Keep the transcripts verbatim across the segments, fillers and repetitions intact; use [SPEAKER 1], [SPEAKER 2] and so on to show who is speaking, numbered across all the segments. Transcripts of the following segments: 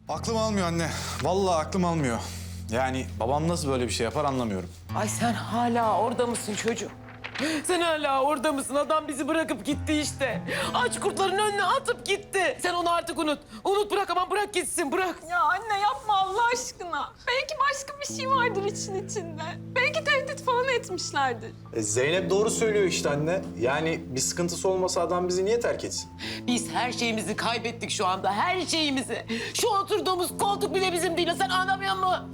[SPEAKER 1] Aklım almıyor anne. Vallahi aklım almıyor. Yani babam nasıl böyle bir şey yapar anlamıyorum.
[SPEAKER 2] Ay sen hala orada mısın çocuğum? Sen hala orada mısın? Adam bizi bırakıp gitti işte. Aç kurtların önüne atıp gitti. Sen onu artık unut. Unut bırak, aman bırak gitsin, bırak.
[SPEAKER 3] Ya anne yapma Allah aşkına. Belki başka bir şey vardır için içinde. Belki tehdit falan etmişlerdir.
[SPEAKER 1] E, Zeynep doğru söylüyor işte anne. Yani bir sıkıntısı olmasa adam bizi niye terk etsin?
[SPEAKER 2] Biz her şeyimizi kaybettik şu anda, her şeyimizi. Şu oturduğumuz koltuk bile bizim değil. Sen anlamıyor musun?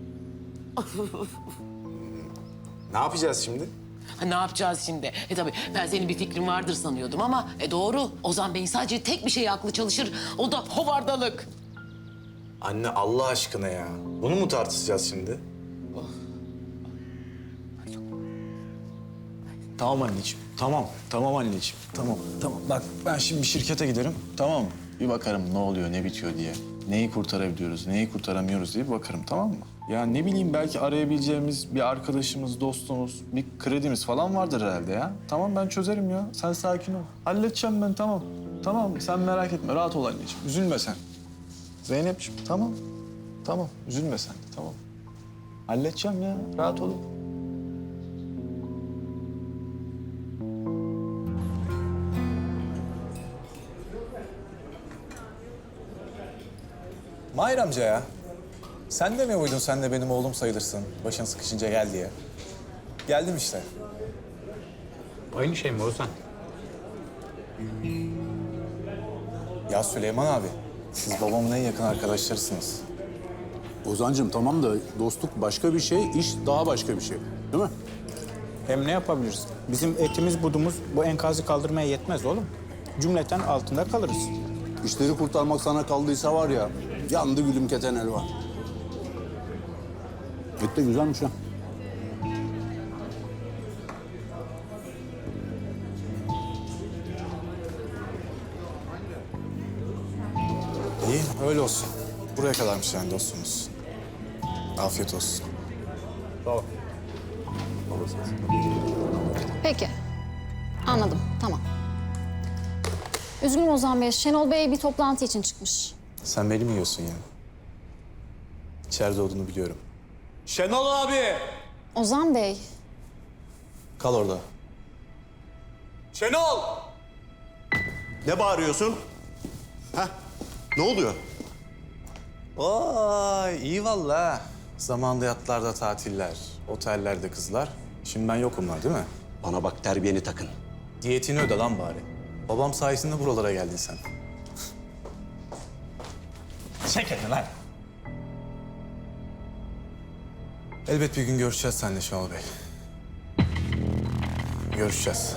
[SPEAKER 1] Ne yapacağız şimdi?
[SPEAKER 2] Ha, ne yapacağız şimdi? E tabii ben senin bir fikrin vardır sanıyordum ama e doğru. Ozan Bey'in sadece tek bir şeye aklı çalışır. O da hovardalık.
[SPEAKER 1] Anne Allah aşkına ya. Bunu mu tartışacağız şimdi? Tamam anneciğim. Tamam. Tamam anneciğim. Tamam. Tamam. Bak ben şimdi bir şirkete giderim. Tamam mı? Bir bakarım ne oluyor, ne bitiyor diye. Neyi kurtarabiliyoruz, neyi kurtaramıyoruz diye bir bakarım, tamam mı? Ya ne bileyim belki arayabileceğimiz bir arkadaşımız, dostumuz, bir kredimiz falan vardır herhalde ya. Tamam ben çözerim ya. Sen sakin ol. Halledeceğim ben, tamam. Tamam sen merak etme. Rahat ol anneciğim. Üzülme sen. Zeynep'ciğim tamam. Tamam. Üzülme sen de, tamam. Halledeceğim ya. Rahat olun. Mahir amca ya. Sen de mi uydun, sen de benim oğlum sayılırsın. Başın sıkışınca gel diye. Geldim işte.
[SPEAKER 4] Aynı şey mi Ozan?
[SPEAKER 1] Ya Süleyman abi, siz babamın en yakın arkadaşlarısınız.
[SPEAKER 5] Ozancığım tamam da dostluk başka bir şey, iş daha başka bir şey. Değil mi?
[SPEAKER 6] Hem ne yapabiliriz? Bizim etimiz budumuz bu enkazı kaldırmaya yetmez oğlum. Cümleten altında kalırız.
[SPEAKER 5] İşleri kurtarmak sana kaldıysa var ya, yandı gülüm keten elva. Et de güzelmiş ha.
[SPEAKER 1] İyi, öyle olsun. Buraya kadarmış yani dostumuz. Afiyet olsun.
[SPEAKER 7] Peki. Anladım. Tamam. Üzgünüm Ozan Bey. Şenol Bey bir toplantı için çıkmış.
[SPEAKER 1] Sen beni mi yiyorsun ya? İçeride olduğunu biliyorum. Şenol abi!
[SPEAKER 7] Ozan Bey.
[SPEAKER 1] Kal orada.
[SPEAKER 8] Şenol! Ne bağırıyorsun? Heh, ne oluyor?
[SPEAKER 1] Vay iyi vallahi. Zamanında yatlarda tatiller, otellerde kızlar. Şimdi ben yokumlar değil mi?
[SPEAKER 8] Bana bak terbiyeni takın.
[SPEAKER 1] Diyetini öde lan bari. Babam sayesinde buralara geldin sen. Çek elini lan. Elbet bir gün görüşeceğiz seninle Şenol Bey. Görüşeceğiz.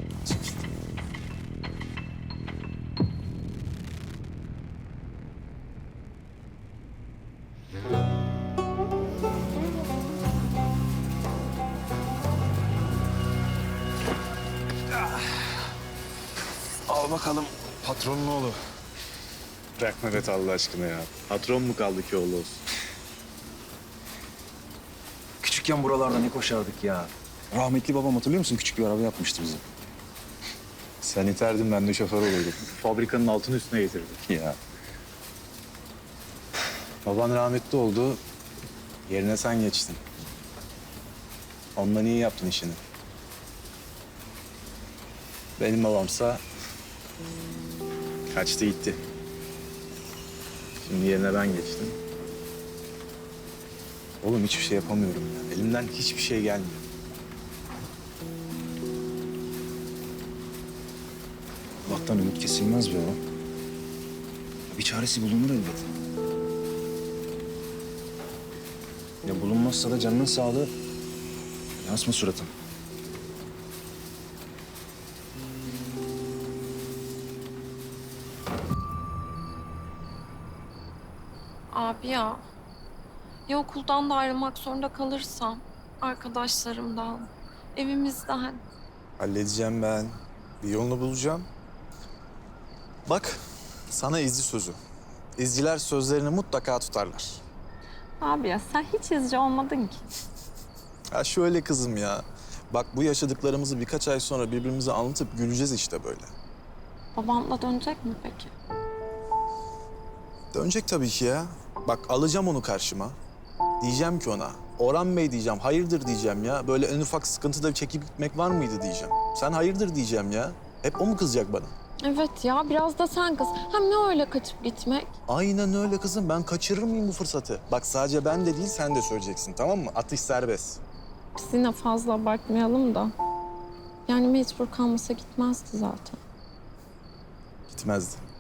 [SPEAKER 1] Al bakalım patronun oğlu. Bırak Mehmet Allah aşkına ya. Patron mu kaldı ki oğlu olsun?
[SPEAKER 9] Küçükken buralarda ne koşardık ya. Rahmetli babam hatırlıyor musun? Küçük bir araba yapmıştı bize.
[SPEAKER 1] Sen iterdin ben de şoför olurdum. Fabrikanın altını üstüne getirdik.
[SPEAKER 9] Ya.
[SPEAKER 1] Baban rahmetli oldu. Yerine sen geçtin. Ondan iyi yaptın işini. Benim babamsa kaçtı gitti. Şimdi yerine ben geçtim. Oğlum hiçbir şey yapamıyorum ya. Elimden hiçbir şey gelmiyor.
[SPEAKER 9] Allah'tan ümit kesilmez be oğlum. Bir çaresi bulunur elbet. Ya bulunmazsa da canının sağlığı. Yansma suratın.
[SPEAKER 3] Abi ya. Ya okuldan da ayrılmak zorunda kalırsam, arkadaşlarımdan, evimizden.
[SPEAKER 1] Halledeceğim ben. Bir yolunu bulacağım. Bak, sana izci sözü. İzciler sözlerini mutlaka tutarlar.
[SPEAKER 3] Abi ya sen hiç izci olmadın ki.
[SPEAKER 1] Ya şöyle kızım ya. Bak bu yaşadıklarımızı birkaç ay sonra birbirimize anlatıp güleceğiz işte böyle.
[SPEAKER 3] Babamla dönecek mi peki?
[SPEAKER 1] Dönecek tabii ki ya. Bak alacağım onu karşıma. Diyeceğim ki ona, Orhan Bey diyeceğim, hayırdır diyeceğim ya. Böyle en ufak sıkıntıda çekip gitmek var mıydı diyeceğim. Sen hayırdır diyeceğim ya. Hep o mu kızacak bana?
[SPEAKER 3] Evet ya biraz da sen kız. Hem ne öyle kaçıp gitmek?
[SPEAKER 1] Aynen öyle kızım. Ben kaçırır mıyım bu fırsatı? Bak sadece ben de değil, sen de söyleyeceksin, tamam mı? Atış serbest.
[SPEAKER 3] Biz yine fazla abartmayalım da. Yani mecbur kalmasa gitmezdi zaten.
[SPEAKER 1] Gitmezdi.